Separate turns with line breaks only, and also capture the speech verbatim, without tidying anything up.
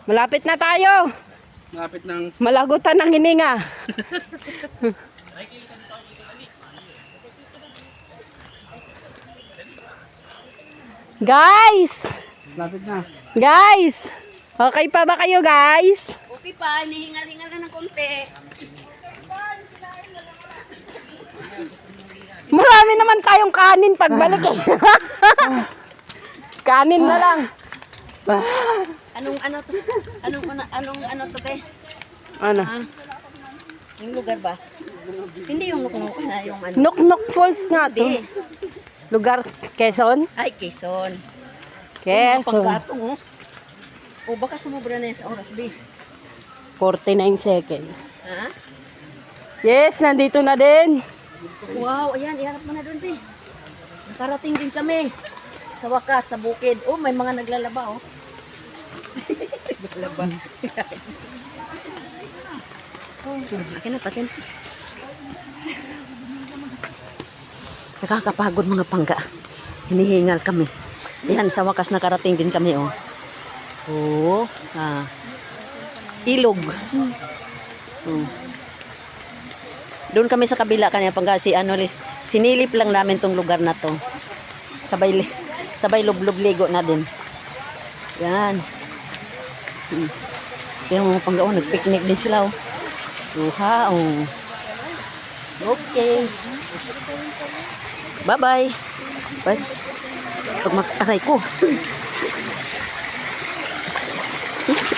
Malapit na tayo.
Malapit ng...
Malagutan ng hininga. Guys!
Malapit na.
Guys! Okay pa ba kayo, guys?
Okay pa, hinihingal-hingal na ng konti.
Marami naman tayong kanin pagbalik eh. Kanin na lang.
Anong ano to? Anong ano anong ano to be?
Ano?
Ah, yung lugar ba? Hindi yung nuknuk na yung ano.
Nuknuk Falls nga to.
Hindi.
Lugar, Quezon?
Ay, Quezon.
Quezon.
Panggatong oh. O baka sumobra na yan sa oras, be.
forty-nine seconds.
Ha?
Yes, nandito na din.
Wow, ayan, iharap mo na doon, be. Nakarating din kami. Sa wakas, sa bukid. Oh, may mga naglalaba, oh. Naglalaba. Akin na, patin. Nakakapagod mga pangga. Hinihingal kami. Yan, sa wakas nakarating din kami, oh. Oh, ah. Ilog. Hmm. Doon kami sa kabila kanina pangga si ano, sinilip lang namin tong lugar na to. Sabay sabay lublob ligo na din. Yan. Hmm. Yung mga pangga, oh, nagpicnic din sila, oh. Uha, oh. Okay. Bye-bye. Bye. Pag makaray ko.